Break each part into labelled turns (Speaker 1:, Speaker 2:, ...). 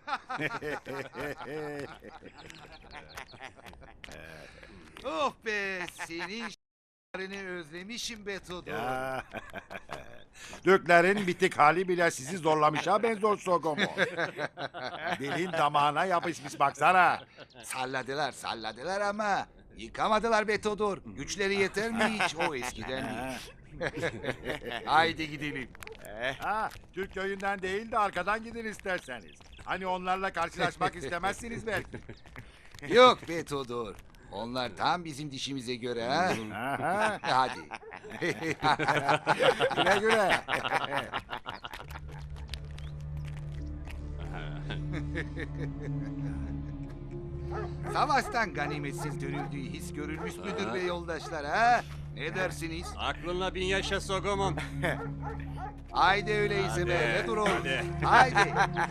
Speaker 1: Oh be, senin s***lerini özlemişim be Todo.
Speaker 2: Ya. Türklerin bitik hali bile sizi zorlamış ha Benzo Sogomo. Dilin damağına yapışmış baksana.
Speaker 1: Salladılar ama yıkamadılar be Todor. Güçleri yeter mi hiç o eskiden değil. Haydi gidelim.
Speaker 2: Ha, Türk köyünden değil de arkadan gidin isterseniz. Hani onlarla karşılaşmak istemezsiniz belki.
Speaker 1: Yok be Todor. Onlar tam bizim dişimize göre ha.
Speaker 2: Aha,
Speaker 1: Hadi.
Speaker 2: güle güle.
Speaker 1: Savaştan ganimetsiz dönüldüğü his görülmüş müdür be yoldaşlar ha? Ne dersiniz?
Speaker 3: Aklınla bin yaşa Sogomon.
Speaker 1: Haydi öyleyse be,
Speaker 3: Hadi,
Speaker 1: ne dur oğlum.
Speaker 3: hadi.
Speaker 1: Haydi.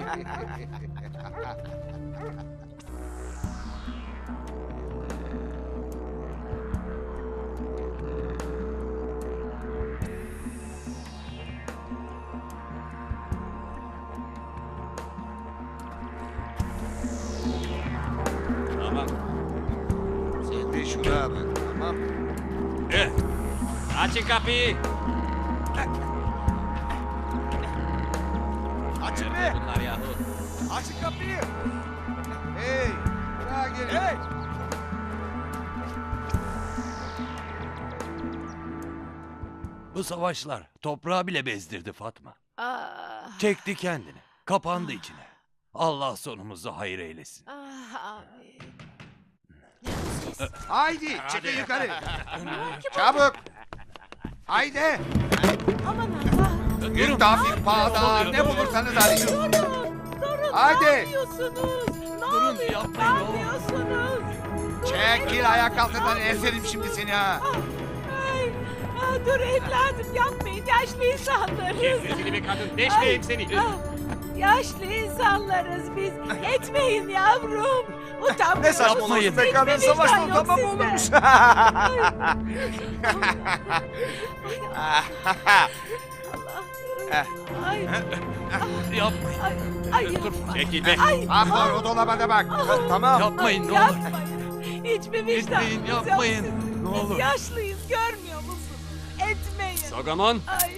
Speaker 3: Tamam.
Speaker 1: Sen de şuna bak, tamam.
Speaker 3: Eh. Açın kapıyı.
Speaker 1: Açın
Speaker 3: Nerede bunlar yahu?
Speaker 1: Açın kapıyı. Hey, buraya gelin. Hey.
Speaker 4: Bu savaşlar toprağı bile bezdirdi Fatma.
Speaker 5: Ah,
Speaker 4: Çekti kendini, kapandı içine. Allah sonumuzu hayır eylesin.
Speaker 5: amin.
Speaker 1: Haydi, çıkın yukarı. Çabuk. Haydi.
Speaker 5: Aman Allah.
Speaker 1: Yürü Tafik Pağda, ne bulursanız arayın.
Speaker 5: Durun,
Speaker 1: Haydi.
Speaker 5: ne yapıyorsunuz? Ne
Speaker 4: Durun,
Speaker 5: oluyor?
Speaker 4: yapmayın
Speaker 5: Ne
Speaker 4: oğlum.
Speaker 5: yapıyorsunuz?
Speaker 1: Çekil ayak altından eserim şimdi seni ha.
Speaker 5: Ay, dur evladım yapmayın, yaşlı insanlarız.
Speaker 3: Sesini bir kadın, deşmeyeyim seni.
Speaker 5: Yaşlı insanlarız biz. Etmeyin yavrum. Utanmayın.
Speaker 4: Ne saçmalıyorsun be
Speaker 5: kadın, savaşta utanma mı olurmuş? Ay,
Speaker 4: Yapmayın,
Speaker 5: ay, ay, yapma.
Speaker 3: Çekil be.
Speaker 5: Ay,
Speaker 1: Ahlar o dolaba da bak.
Speaker 2: Tamam.
Speaker 4: yapmayın ne olur.
Speaker 5: yapmayın. Hiçbir vicdanınız
Speaker 4: Etmeyin,
Speaker 5: yok
Speaker 4: yapmayın.
Speaker 5: sizin.
Speaker 4: Ne
Speaker 5: Biz
Speaker 4: olur.
Speaker 5: yaşlıyız, görmüyor musun? Etmeyin.
Speaker 3: Sogomon.
Speaker 5: Ay.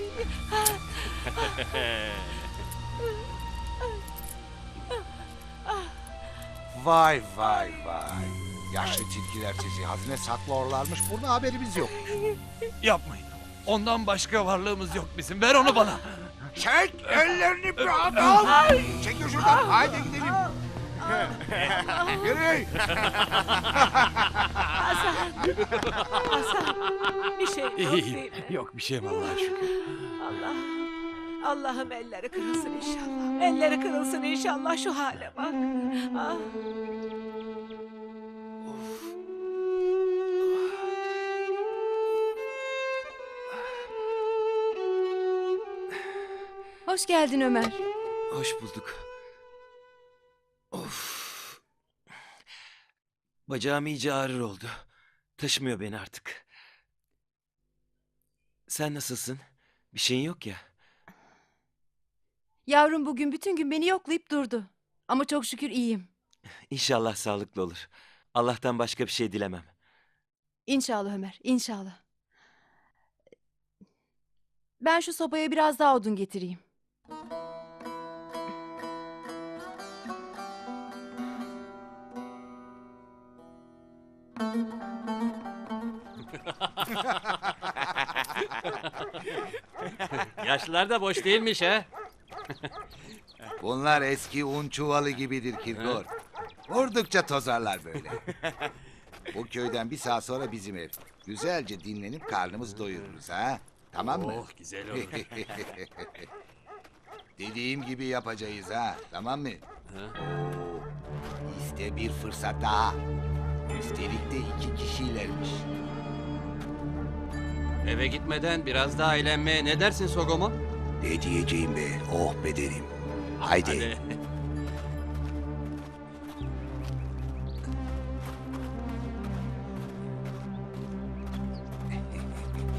Speaker 1: Vay vay vay. Yaşlı tilkiler sizi hazine saklıyorlarmış. Burada haberimiz yok.
Speaker 4: Yapmayın. Ondan başka varlığımız yok bizim. Ver onu bana.
Speaker 1: Çek ellerini bir adam. Çekil şuradan. Haydi gidelim. Yürü.
Speaker 5: Hasan. Hasan. Bir şey yok değil
Speaker 4: İyiyim.
Speaker 5: mi?
Speaker 4: Yok bir şeyim Allah'a şükür.
Speaker 5: Allah. Allah'ım elleri kırılsın inşallah. Elleri kırılsın inşallah şu hale bak. Ah.
Speaker 6: Hoş geldin Ömer.
Speaker 7: Hoş bulduk. Of. Bacağım iyice ağrır oldu. Taşımıyor beni artık. Sen nasılsın? Bir şeyin yok ya.
Speaker 6: Yavrum bugün bütün gün beni yoklayıp durdu. Ama çok şükür iyiyim.
Speaker 7: İnşallah sağlıklı olur. Allah'tan başka bir şey dilemem.
Speaker 6: İnşallah Ömer, inşallah. Ben şu sobaya biraz daha odun getireyim.
Speaker 3: Yaşlılar da boş değilmiş ha.
Speaker 1: Bunlar eski un çuvalı gibidir Kirgor. Vurdukça tozarlar böyle. Bu köyden bir saat sonra bizim ev. Güzelce dinlenip karnımız doyururuz ha. Tamam mı?
Speaker 3: Oh güzel olur.
Speaker 1: Dediğim gibi yapacağız ha. Tamam mı?
Speaker 3: Ha?
Speaker 1: İşte bir fırsat daha. Üstelik de 2 kişilermiş.
Speaker 3: Eve gitmeden biraz daha eğlenmeye ne dersin Sogomon?
Speaker 1: Ne diyeceğim be? Oh be derim. Haydi.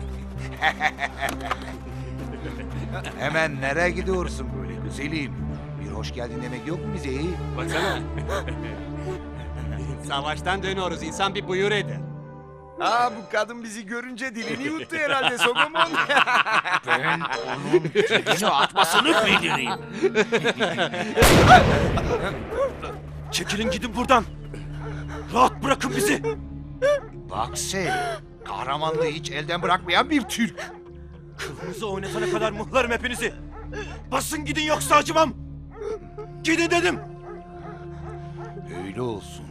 Speaker 3: Hadi.
Speaker 1: Hemen nereye gidiyorsun böyle güzelim? Bir hoş geldin demek yok mu bize?
Speaker 3: Baksana. Savaştan dönüyoruz. İnsan bir buyur eder.
Speaker 8: Aa, bu kadın bizi görünce dilini yuttu herhalde Sogomon.
Speaker 4: Ben onun cebine atmasını bildireyim.
Speaker 7: Çekilin gidin buradan. Rahat bırakın bizi.
Speaker 1: Bak sen, kahramanlığı hiç elden bırakmayan bir Türk.
Speaker 7: Kılınızı oynatana kadar muhlarım hepinizi. Basın gidin yoksa acımam. Gidin dedim.
Speaker 1: Öyle olsun.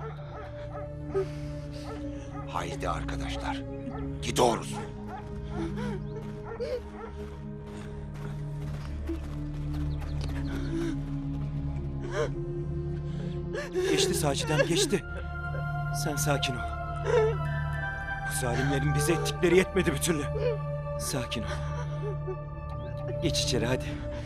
Speaker 1: Haydi arkadaşlar, gidiyoruz.
Speaker 7: Geçti Saci'den geçti. Sen sakin ol. Bu zalimlerin bize ettikleri yetmedi bir türlü. Sakin ol. Geç içeri hadi.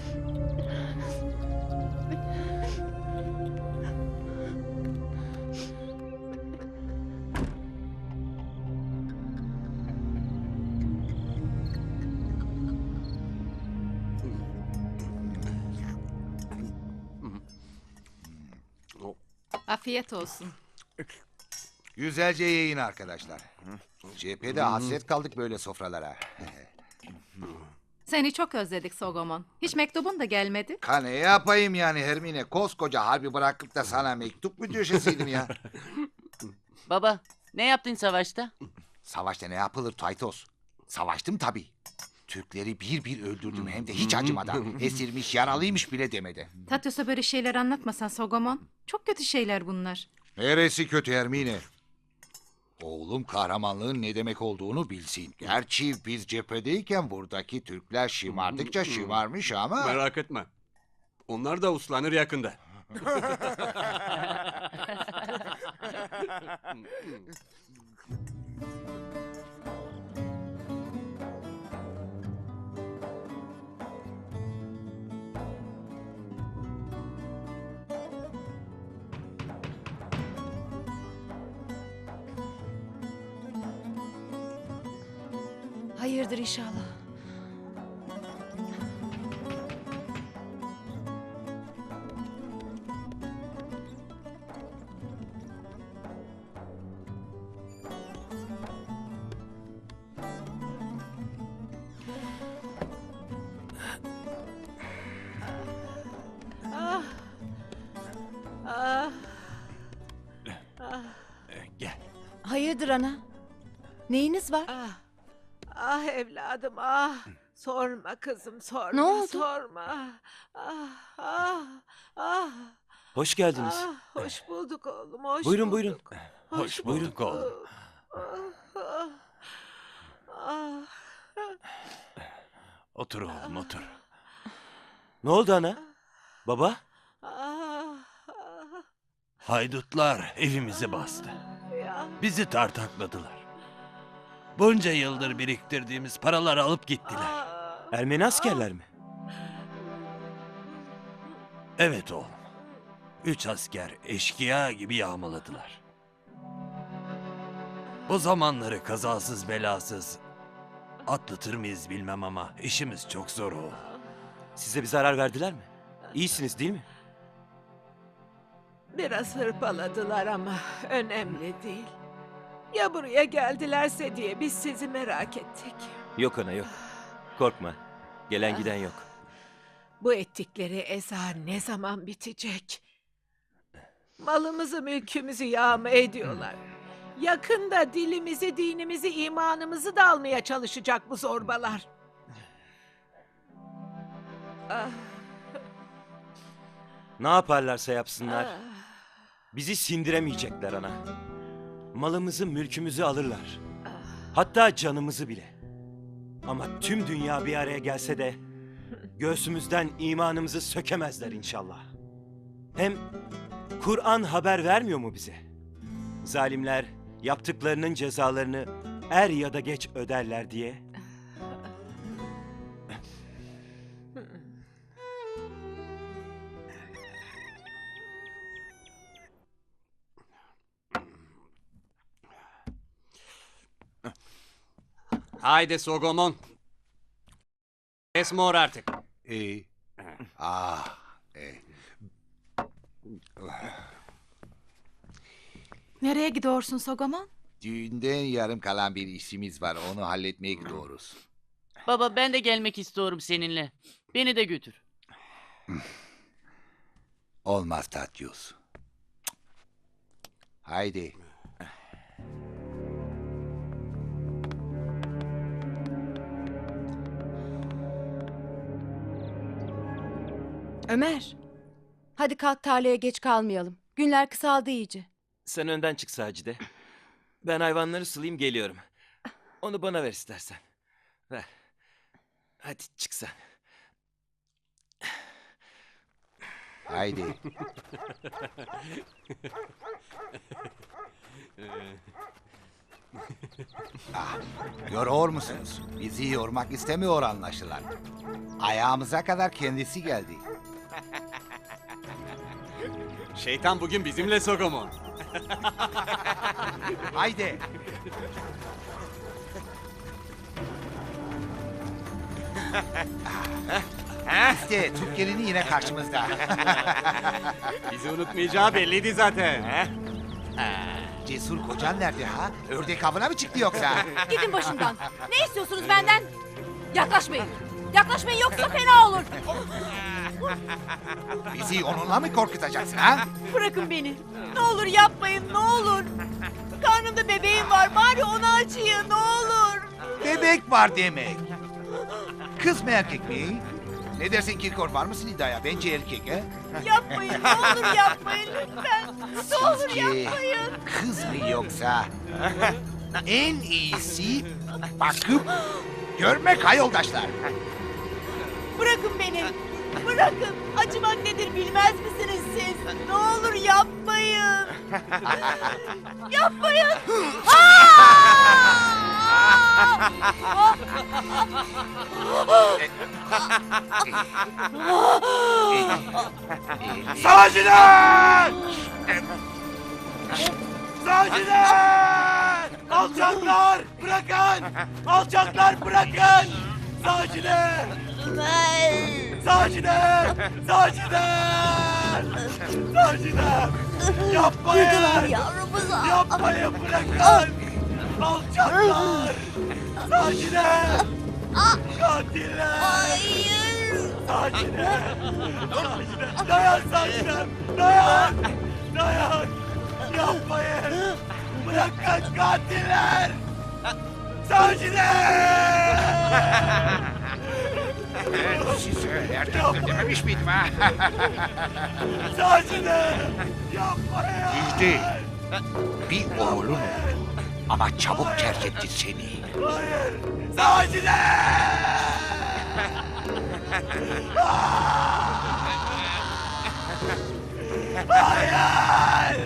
Speaker 6: Afiyet olsun.
Speaker 1: Güzelce yiyin arkadaşlar. Cephede hasret kaldık böyle sofralara.
Speaker 6: Seni çok özledik Sogomon. Hiç mektubun da gelmedi.
Speaker 1: Ne yapayım yani Hermine? Koskoca harbi bırakıp da sana mektup mu düşeseydim ya?
Speaker 9: Baba, ne yaptın savaşta?
Speaker 1: Savaşta ne yapılır Taytos? Savaştım tabii. Türkleri bir bir öldürdüm hem de hiç acımadan. Esirmiş, yaralıymış bile demedi.
Speaker 6: Tatyos'a böyle şeyler anlatmasan Sogomon. Çok kötü şeyler bunlar.
Speaker 1: Neresi kötü Hermine? Oğlum kahramanlığın ne demek olduğunu bilsin. Gerçi biz cephedeyken buradaki Türkler şımardıkça şımarmış ama...
Speaker 3: Merak etme. Onlar da uslanır yakında.
Speaker 6: Hayırdır inşallah.
Speaker 5: Ah. Ah.
Speaker 4: Gel.
Speaker 6: Hayırdır ana? Neyiniz var?
Speaker 5: Ah. Ah evladım ah. Sorma kızım sorma.
Speaker 6: Ne oldu?
Speaker 5: Sorma. Ah ah ah.
Speaker 7: Hoş geldiniz.
Speaker 5: Ah, hoş bulduk oğlum hoş
Speaker 7: Buyurun,
Speaker 5: bulduk.
Speaker 7: buyurun.
Speaker 4: Hoş bulduk oğlum.
Speaker 5: Ah, ah,
Speaker 4: Otur oğlum otur.
Speaker 7: Ne oldu ana? Baba?
Speaker 5: ah,
Speaker 4: Haydutlar evimizi bastı.
Speaker 5: ya.
Speaker 4: Bizi tartakladılar. Bunca yıldır biriktirdiğimiz paraları alıp gittiler.
Speaker 5: Ah,
Speaker 7: Ermeni askerler mi?
Speaker 4: Evet oğlum. 3 asker eşkıya gibi yağmaladılar. Bu zamanları kazasız belasız atlatır mıyız bilmem ama işimiz çok zor oğlum.
Speaker 7: Size bir zarar verdiler mi? İyisiniz değil mi?
Speaker 5: Biraz hırpaladılar ama önemli değil. Ya buraya geldilerse diye biz sizi merak ettik.
Speaker 7: Yok ana yok. Korkma. Gelen giden yok.
Speaker 5: Bu ettikleri eza ne zaman bitecek? Malımızı, mülkümüzü yağma ediyorlar. Yakında dilimizi, dinimizi, imanımızı da almaya çalışacak bu zorbalar. Ah,
Speaker 7: Ne yaparlarsa yapsınlar.
Speaker 5: ah.
Speaker 7: Bizi sindiremeyecekler ana. Malımızı, mülkümüzü alırlar. Hatta canımızı bile. Ama tüm dünya bir araya gelse de göğsümüzden imanımızı sökemezler inşallah. Hem Kur'an haber vermiyor mu bize? Zalimler yaptıklarının cezalarını er ya da geç öderler diye.
Speaker 3: Haydi Sogomon. Esmor artık.
Speaker 1: İyi. Ah,
Speaker 6: Nereye gidiyorsun Sogomon?
Speaker 1: Düğünden yarım kalan bir işimiz var. Onu halletmeye gidiyoruz.
Speaker 9: Baba ben de gelmek istiyorum seninle. Beni de götür.
Speaker 1: Olmaz Tatyus. Haydi.
Speaker 6: Ömer. Hadi kalk tarlaya geç kalmayalım. Günler kısaldı iyice.
Speaker 7: Sen önden çık Sacide. Ben hayvanları sulayayım geliyorum. Onu bana ver istersen. Ver. Hadi çık sen.
Speaker 1: Haydi. Görüyor musunuz? Bizi yormak istemiyor anlaşılan. Ayağımıza kadar kendisi geldi.
Speaker 3: Şeytan bugün bizimle Sogomon.
Speaker 1: Haydi. İşte Türk gelini yine karşımızda.
Speaker 3: Bizi unutmayacağı belliydi zaten.
Speaker 1: Cesur kocan nerede ha? Ördek avına mı çıktı yoksa?
Speaker 6: Gidin başımdan. Ne istiyorsunuz benden? Yaklaşmayın. Yaklaşmayın yoksa fena olur.
Speaker 1: Bizi onunla mı korkutacaksın ha?
Speaker 6: Bırakın beni. Ne olur yapmayın ne olur. Karnımda bebeğim var bari onu acıyın ne olur.
Speaker 1: Bebek var demek. Kız mı erkek mi? Ne dersin Kirkor, var mısın iddiaya? Bence erkek ha?
Speaker 6: Yapmayın ne olur yapmayın lütfen. Ne olur
Speaker 1: Sizce
Speaker 6: yapmayın.
Speaker 1: kız mı yoksa? En iyisi bakıp görmek ha yoldaşlar.
Speaker 6: Bırakın beni. Bırakın. Acımak nedir bilmez misiniz siz? Ne olur yapmayın. Yapmayın.
Speaker 4: Savaşçılar! Savaşçılar! Alçaklar bırakın! Alçaklar bırakın! Savaşçılar! Savaşçılar! Savaşçılar! Savaşçılar! Yapmayın!
Speaker 6: Yavrumuza.
Speaker 4: Yapmayın bırakın! Alçaklar! Savaşçılar! Katiller!
Speaker 6: Hayır.
Speaker 4: Savaşçılar! Savaşçılar! Dayan savaşçılar! Dayan! Dayan! Yapmayın! Bırakın katiller! Savaşçılar!
Speaker 1: Size erkekler dememiş miydim ha?
Speaker 4: Savaşçılar! Yapmayın!
Speaker 1: Müjde. Bir oğlun oldu. Ama çabuk terk etti seni.
Speaker 4: Hayır! Savaşçılar! Hayır!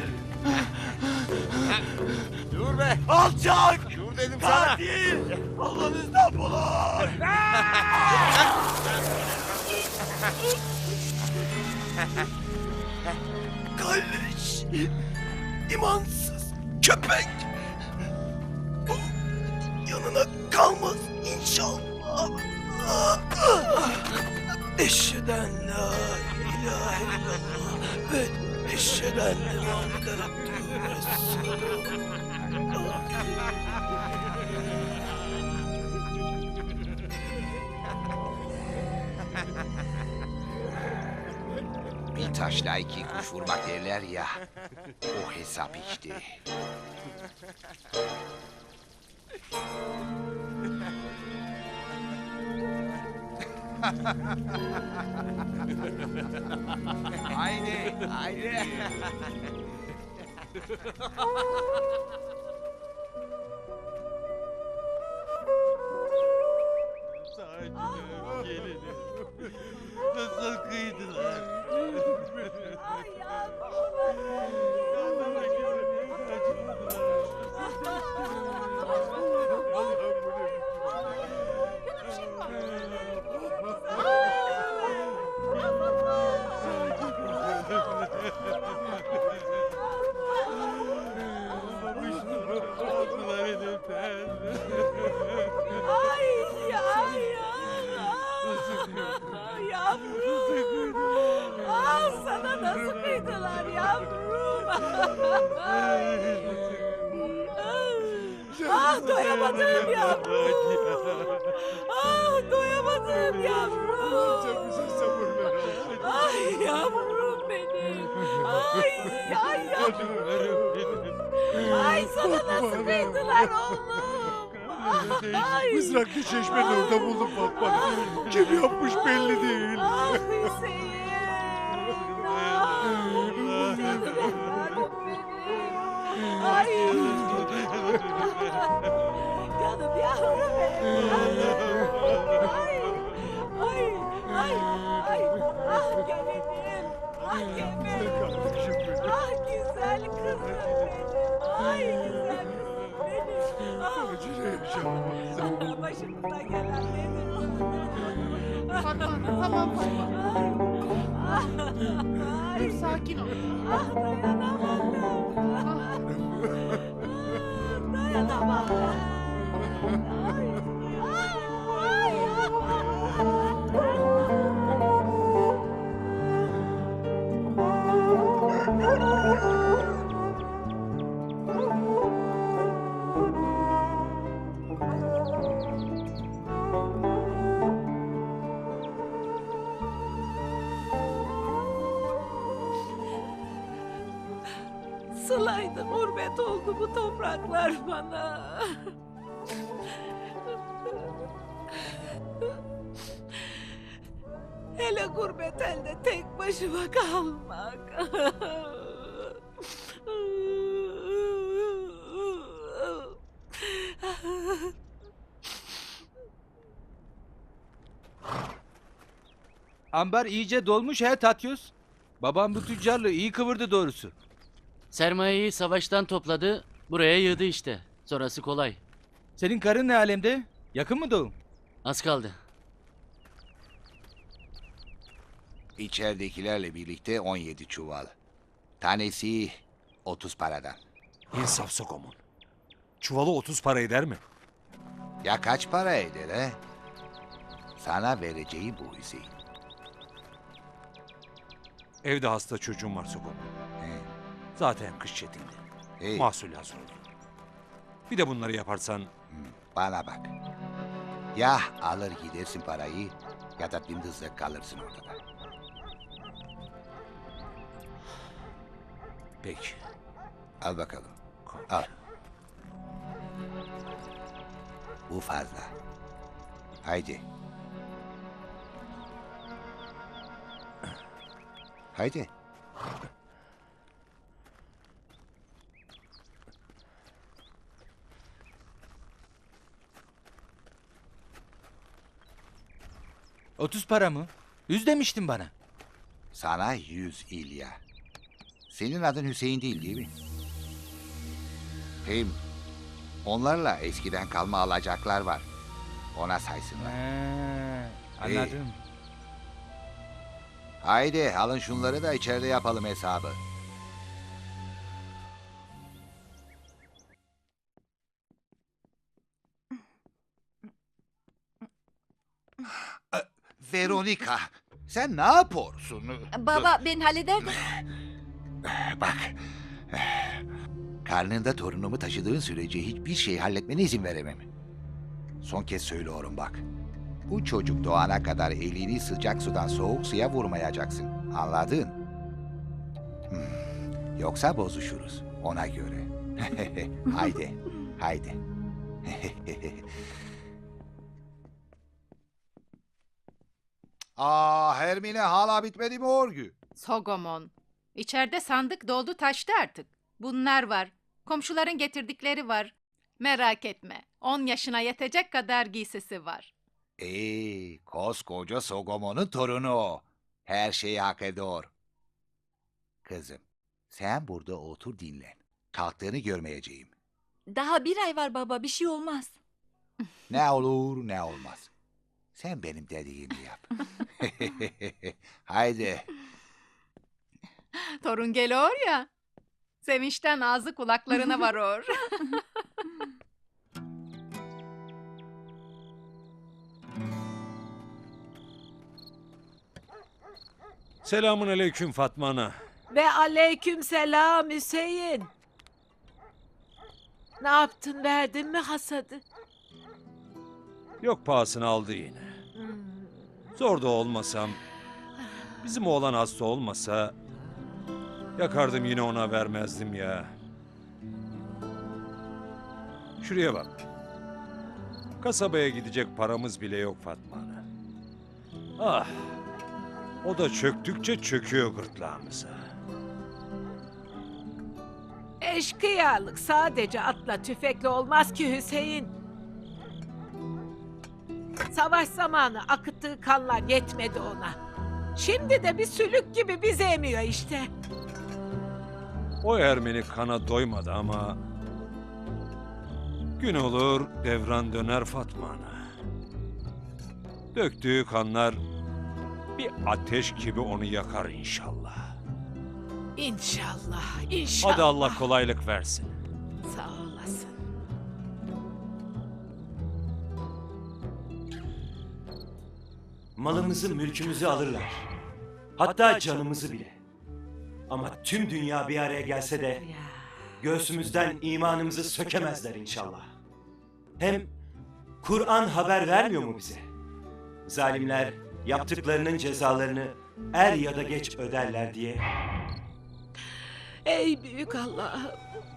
Speaker 8: Dur be.
Speaker 4: Alçak!
Speaker 8: Dur dedim sana.
Speaker 4: Katil! Allah'ınızdan bulun! Kalleş! İmansız köpek! Bu yanına kalmaz inşallah! Eşheden la ilahe illallah ve eşheden Muhammeden Abdülü Resulullah.
Speaker 1: Bir taşla iki kuş vurmak derler ya. O hesap işte.
Speaker 8: Haydi. Haydi.
Speaker 4: Nasıl kıydılar?
Speaker 5: sıkıydılar yavrum. Ah doyamadım yavrum. Ah doyamadım yavrum. Ay yavrum benim. Ay yavrum. Ay sana nasıl kıydılar oğlum. Ay.
Speaker 2: Mızraklı çeşmenin orada buldum Fatma. Kim yapmış belli değil.
Speaker 5: Ah Hüseyin. Ah. Canım evladım benim. Ay. Canım yavrum benim. Ay. Ay. Ay. Ay. Ah gelinim. Ah gelinim. Ah güzel kızım benim. Ay güzel kızım benim. Ah. Başımıza gelen nedir?
Speaker 6: Tamam
Speaker 5: Ay.
Speaker 6: sakin ol.
Speaker 5: Ah dayanamadım. Dayanamadım. Ay. Sılaydı gurbet oldu bu topraklar bana. Hele gurbet elde tek başıma kalmak.
Speaker 10: Ambar iyice dolmuş he Tatyos. Babam bu tüccarlığı iyi kıvırdı doğrusu.
Speaker 9: Sermayeyi savaştan topladı, buraya yığdı işte. Sonrası kolay.
Speaker 10: Senin karın ne alemde? Yakın mı doğum?
Speaker 9: Az kaldı.
Speaker 1: İçeridekilerle birlikte 17 çuval. Tanesi 30 paradan.
Speaker 4: İnsaf Sogomon. Çuvalı 30 para eder mi?
Speaker 1: Ya kaç para eder he? Sana vereceği bu Hüseyin.
Speaker 4: Evde hasta çocuğum var Sogomon.
Speaker 1: He.
Speaker 4: Zaten kış çetindi.
Speaker 1: Hey,
Speaker 4: Mahsul hazır oldu. Bir de bunları yaparsan
Speaker 1: bana bak. Ya alır gidersin parayı ya da dımdızlak kalırsın ortada.
Speaker 4: peki.
Speaker 1: Al bakalım. Al. Bu fazla. Haydi. Haydi.
Speaker 10: ...30 para mı? 100 demiştin bana.
Speaker 1: Sana 100 İlya. Senin adın Hüseyin değil mi? Hem onlarla eskiden kalma alacaklar var. Ona saysınlar.
Speaker 10: Anladım.
Speaker 1: Haydi alın şunları da içeride yapalım hesabı. Veronika, sen ne yapıyorsun?
Speaker 6: Baba ben hallederdim.
Speaker 1: Bak, karnında torunumu taşıdığın sürece hiçbir şey halletmene izin veremem. Son kez söylüyorum bak. Bu çocuk doğana kadar elini sıcak sudan soğuk suya vurmayacaksın. Anladın? Yoksa bozuşuruz. Ona göre. Haydi, haydi. Hermine hala bitmedi mi örgü?
Speaker 11: Sogomon. İçeride sandık doldu taştı artık. Bunlar var. Komşuların getirdikleri var. Merak etme. 10 yaşına yetecek kadar giysisi var.
Speaker 1: Koskoca Sogomon'un torunu o. Her şeyi hak ediyor. Kızım, sen burada otur dinlen. Kalktığını görmeyeceğim.
Speaker 6: Daha bir ay var baba bir şey olmaz.
Speaker 1: Ne olur ne olmaz. Sen benim dediğimi yap. Haydi.
Speaker 11: Torun geliyor ya. Sevinçten ağzı kulaklarına varıyor.
Speaker 4: Selamun aleyküm Fatma Ana.
Speaker 5: Ve aleyküm selam Hüseyin. Ne yaptın, verdin mi hasadı?
Speaker 4: Yok, pahasını aldı yine. Zor da olmasam, bizim oğlan hasta olmasa yakardım yine ona vermezdim ya. Şuraya bak. Kasabaya gidecek paramız bile yok Fatma Ana. Ah, o da çöktükçe çöküyor gırtlağımıza.
Speaker 5: Eşkıyalık sadece atla tüfekle olmaz ki Hüseyin. Savaş zamanı akıttığı kanlar yetmedi ona. Şimdi de bir sülük gibi bizi emiyor işte.
Speaker 4: O Ermeni kana doymadı ama gün olur devran döner Fatma Ana. Döktüğü kanlar bir ateş gibi onu yakar inşallah.
Speaker 5: İnşallah, inşallah.
Speaker 4: Hadi Allah kolaylık versin.
Speaker 5: Sağ olasın.
Speaker 7: Malımızı, mülkümüzü alırlar. Hatta canımızı bile. Ama tüm dünya bir araya gelse de göğsümüzden imanımızı sökemezler inşallah. Hem Kur'an haber vermiyor mu bize? Zalimler yaptıklarının cezalarını er ya da geç öderler diye.
Speaker 5: Ey büyük Allah'ım.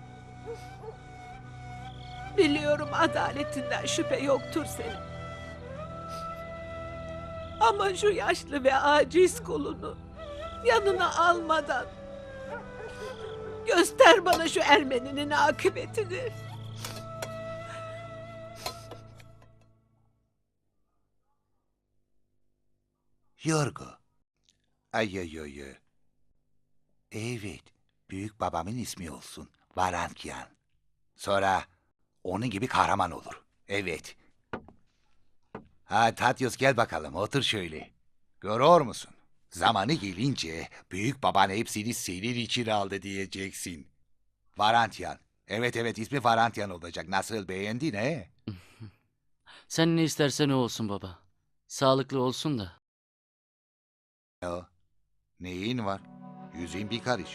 Speaker 5: Biliyorum adaletinden şüphe yoktur senin. Ama şu yaşlı ve aciz kulunu yanına almadan göster bana şu Ermeninin akıbetini.
Speaker 1: Yorgo. Ay ay ay ay. Evet. Büyük babamın ismi olsun. Varankyan. Sonra onun gibi kahraman olur. Evet. Ha Tatyos, gel bakalım, otur şöyle. Görüyor musun? Zamanı gelince büyük baban hepsini senin için aldı diyeceksin. Varantyan. Evet evet, ismi Varantyan olacak. Nasıl, beğendin he?
Speaker 9: Sen ne istersen o olsun baba. Sağlıklı olsun da.
Speaker 1: O, neyin var? Yüzün bir karış.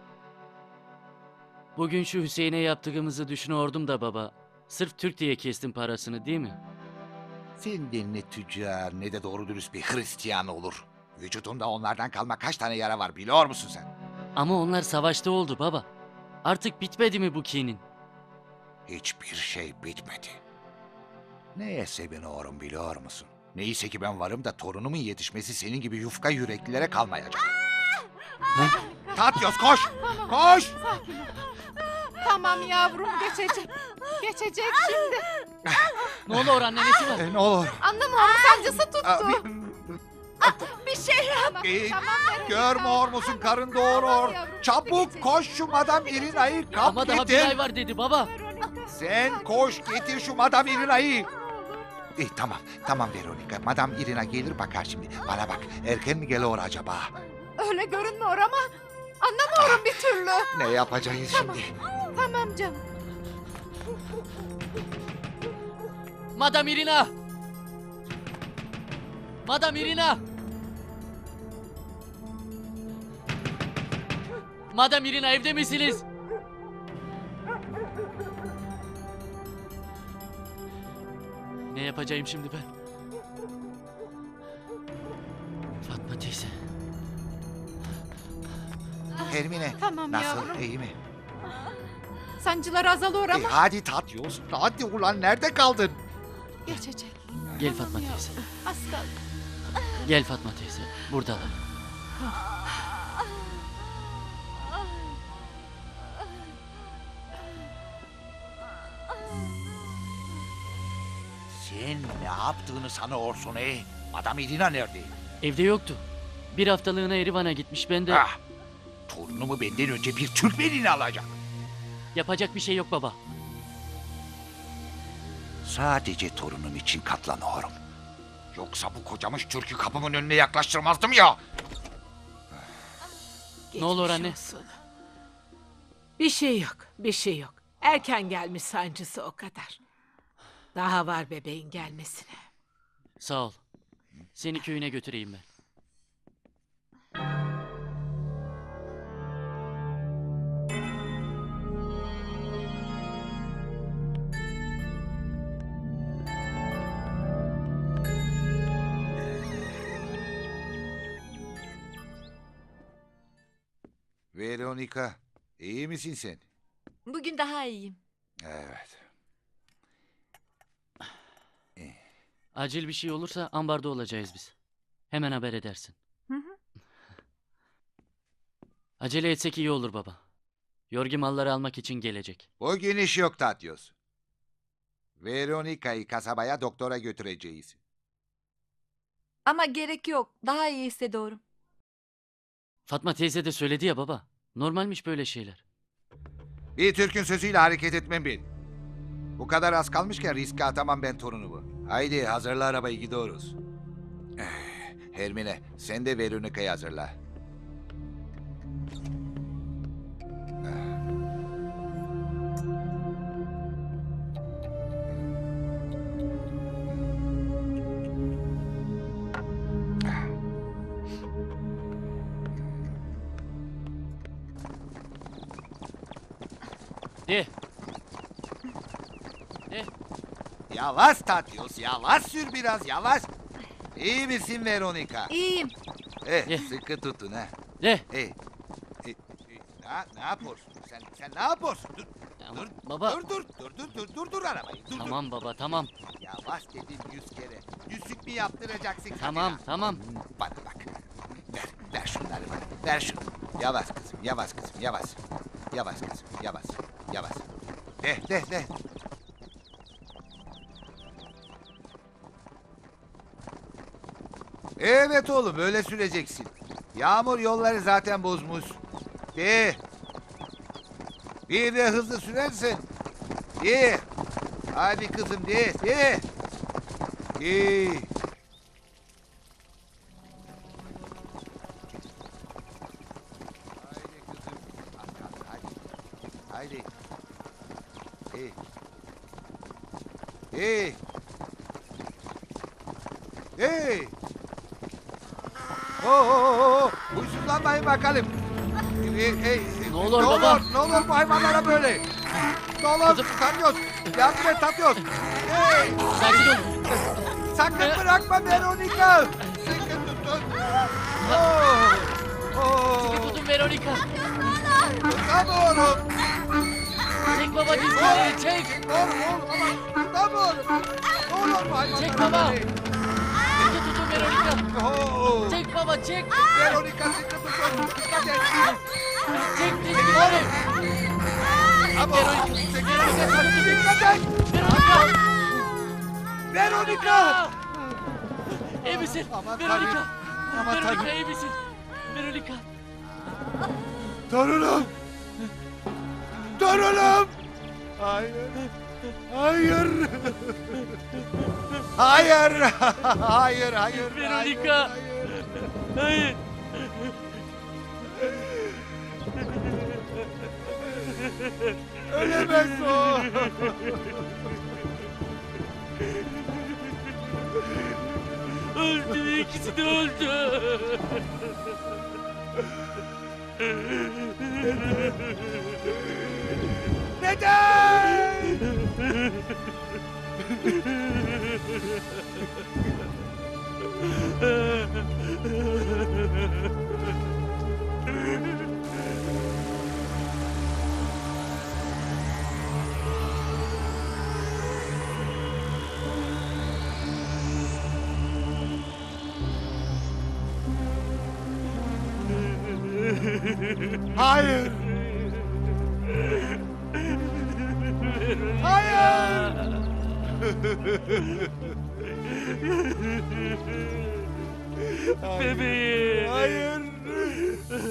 Speaker 9: Bugün şu Hüseyin'e yaptığımızı düşünüyordum da baba. Sırf Türk diye kestin parasını değil mi?
Speaker 1: Senden ne tüccar ne de doğru dürüst bir Hristiyan olur. Vücudunda onlardan kalma kaç tane yara var biliyor musun sen?
Speaker 9: Ama onlar savaşta oldu baba. Artık bitmedi mi bu kinin?
Speaker 1: Hiçbir şey bitmedi. Neye seviniyorum biliyor musun? Neyse ki ben varım da torunumun yetişmesi senin gibi yufka yüreklilere kalmayacak. Tatyos koş! Koş!
Speaker 11: Sakin ol. Tamam yavrum, geçecek. Geçecek şimdi.
Speaker 9: Ne olur anne, nesi var?
Speaker 1: Ne olur.
Speaker 11: Anlamıyorum, sancısı tuttu.
Speaker 6: Bir şey yap.
Speaker 11: Tamam,
Speaker 1: Ee,
Speaker 11: tamam Veronica.
Speaker 1: Görmüyor musun, karın doğurur.
Speaker 11: yavrum,
Speaker 1: Çabuk
Speaker 11: geçecek.
Speaker 1: koş şu Madam Irina'yı kap
Speaker 9: Ama daha bir
Speaker 1: getir.
Speaker 9: ay var dedi baba.
Speaker 1: Sen koş getir şu Madam Irina'yı. Tamam, tamam Veronica. Madam Irina gelir bakar şimdi. Bana bak, erken mi geliyor acaba?
Speaker 11: Öyle görünmüyor ama anlamıyorum bir türlü.
Speaker 1: Ne yapacağız şimdi?
Speaker 11: Tamam canım.
Speaker 9: Madam Irina! Madam Irina! Madam Irina, evde misiniz? Ne yapacağım şimdi ben? Fatma teyze.
Speaker 1: Hermine,
Speaker 11: Tamam
Speaker 1: nasıl,
Speaker 11: yavrum.
Speaker 1: iyi mi?
Speaker 11: Sancılar azalıyor ama
Speaker 1: Hadi Tatyos, hadi ulan, nerede kaldın?
Speaker 11: geçecek.
Speaker 9: Gel Fatma
Speaker 11: Tamam
Speaker 9: teyze.
Speaker 11: yavrum, az kaldı.
Speaker 9: Gel Fatma teyze. Buradalar.
Speaker 1: Sen ne yaptığını sanıyorsun Madam Irina nerede?
Speaker 9: Evde yoktu. Bir haftalığına Erivan'a gitmiş. Ben de
Speaker 1: Ah, torunumu benden önce bir Türkmenini alacak.
Speaker 9: yapacak bir şey yok baba.
Speaker 1: Sadece torunum için katlanıyorum. Yoksa bu kocamış Türk'ü kapımın önüne yaklaştırmazdım ya.
Speaker 9: Ne olur
Speaker 5: Geçmiş
Speaker 9: anne?
Speaker 5: olsun. Bir şey yok, bir şey yok. Erken gelmiş sancısı, o kadar. Daha var bebeğin gelmesine.
Speaker 9: Sağ ol. Seni köyüne götüreyim ben.
Speaker 1: Veronica, iyi misin sen?
Speaker 6: Bugün daha iyiyim.
Speaker 1: Evet.
Speaker 9: Acil bir şey olursa ambarda olacağız biz. Hemen haber edersin.
Speaker 6: Hı hı.
Speaker 9: Acele etsek iyi olur baba. Yorgi malları almak için gelecek.
Speaker 1: Bugün iş yok Tatyos. Veronica'yı kasabaya doktora götüreceğiz.
Speaker 6: Ama gerek yok. Daha iyi hissediyorum.
Speaker 9: Fatma teyze de söyledi ya baba. Normalmiş böyle şeyler.
Speaker 1: Bir Türk'ün sözüyle hareket etmem ben. Bu kadar az kalmışken riske atamam ben torunumu. Haydi hazırla arabayı gidiyoruz. Hermine sen de Veronica'yı hazırla.
Speaker 9: De.
Speaker 1: Yavaş Tatyos, yavaş sür biraz, yavaş. İyi misin Veronica?
Speaker 6: İyiyim.
Speaker 1: Sıkı tutun ha.
Speaker 9: De.
Speaker 1: Ne yapıyorsun? Sen ne yapıyorsun? Dur,
Speaker 9: Ama
Speaker 1: dur,
Speaker 9: baba.
Speaker 1: dur arabayı. Dur.
Speaker 9: Tamam baba tamam.
Speaker 1: Yavaş dedim 100 kere. Yüzük mü yaptıracaksın?
Speaker 9: Tamam
Speaker 1: kadına?
Speaker 9: tamam.
Speaker 1: Bana bak. Ver şunları bana. Ver şunu. Yavaş kızım, yavaş kızım, yavaş. Yavaş kızım, yavaş. Yavaş. De. Evet oğlum, öyle süreceksin. Yağmur yolları zaten bozmuş. De. Bir de hızlı sürersin. De. Hadi kızım, de. De. Haydi kızım. Hadi. Haydi. Huysuzlanmayın bakalım.
Speaker 9: Ne olur baba.
Speaker 1: Ne olur bu hayvanlara böyle. Ne olur Tatyos. Yardım et Tatyos.
Speaker 9: Sakin ol.
Speaker 1: Sakın bırakma Veronica. Sıkı tutun.
Speaker 9: Sıkı tutun Veronica.
Speaker 1: Tutamıyorum.
Speaker 9: Çek baba dizleri çek.
Speaker 1: Oğlum ama tutamıyorum. Ne olur bu hayvanlara
Speaker 9: Çek baba.
Speaker 1: böyle.
Speaker 9: Sıkı tutun Veronica. Çek baba çek.
Speaker 1: Veronica sıkı tutun. Dikkat et.
Speaker 9: Çek dizleri.
Speaker 1: Veronica dikkat et. Veronica.
Speaker 9: İyi misin?
Speaker 1: Aman
Speaker 9: Veronica.
Speaker 1: tanrım. Aman
Speaker 9: Veronica
Speaker 1: tanrım.
Speaker 9: iyi misin? Veronica.
Speaker 1: Torunum. Torunum. Hayır. Hayır. Hayır. Hayır.
Speaker 9: Veronica. Hayır.
Speaker 1: Ölemez o.
Speaker 9: Öldü. İkisi de öldü.
Speaker 1: Neden? Hayır. Hayır.
Speaker 9: Bebeğim.
Speaker 1: Hayır.